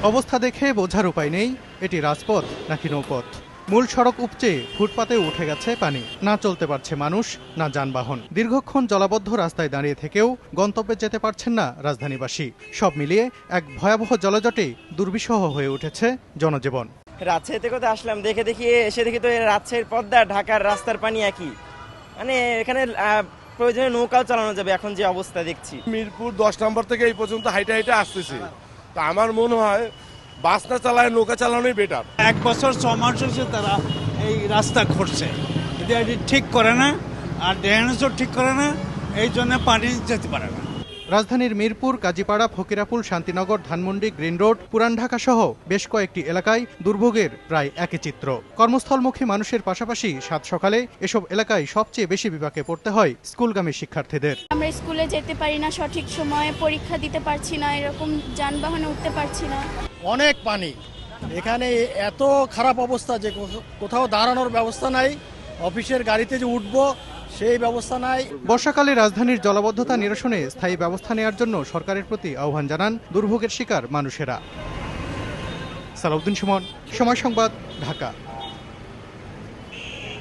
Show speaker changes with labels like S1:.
S1: অবস্থা দেখে বোঝার উপায় নেই এটি রাজপথ নাকি নৌপথ। মূল সড়ক উপচে ফুটপাতে উঠে গেছে পানি, না চলতে পারছে মানুষ না যানবাহন। দীর্ঘক্ষণ জলাবদ্ধ রাস্তায় দাঁড়িয়ে থেকেও গন্তব্যে যেতে পারছেন না রাজধানীবাসী। সব মিলিয়ে এক ভয়াবহ জলজটে দুর্বিষহ হয়ে উঠেছে জনজীবন।
S2: রাজশাহীতে কোথায় আসলাম, দেখে এসে দেখি তো রাজশাহীর পদ্মা ঢাকার রাস্তার পানি একই। মানে এখানে প্রয়োজনে নৌকাও চালানো যাবে এখন যে অবস্থা দেখছি।
S3: মিরপুর 10 নম্বর থেকে এই পর্যন্ত হাইটে আসতেছি, তো আমার মনে হয় বাস না চালায় নৌকা চালানোই বেটার।
S4: 1 বছর 6 মাস হচ্ছে তারা এই রাস্তা করছে, যদি এটি ঠিক করে না আর ড্রেনেজও ঠিক করে না, এই জন্য পানি যেতে পারে না।
S1: রাজধানীর মিরপুর, কাজীপাড়া, ফকিরাপুল, শান্তিনগর, ধানমন্ডি, গ্রিন রোড, পুরান ঢাকা সহ বেশ কয়েকটি এলাকায় দুর্ভোগের প্রায় একই চিত্র। কর্মস্থলমুখী মানুষের পাশাপাশি সাত সকালে এসব এলাকায় সবচেয়ে বেশি বিপাকে পড়তে হয় স্কুলগামী শিক্ষার্থীদের।
S5: আমরা স্কুলে যেতে পারি না সঠিক সময়ে, পরীক্ষা দিতে পারছি না, এরকম যানবাহনে উঠতে পারছি না।
S6: অনেক পানি, এখানে এত খারাপ অবস্থা যে কোথাও দাঁড়ানোর ব্যবস্থা নাই, অফিসের গাড়িতে যে উঠবো সেই ব্যবস্থা নাই।
S1: বর্ষাকালে রাজধানীর জলাবদ্ধতা নিরসনে স্থায়ী ব্যবস্থা নেওয়ার জন্য সরকারের প্রতি আহ্বান জানান দুর্ভোগের শিকার মানুষেরা। সালাউদ্দিন সুমন, সময় সংবাদ, ঢাকা।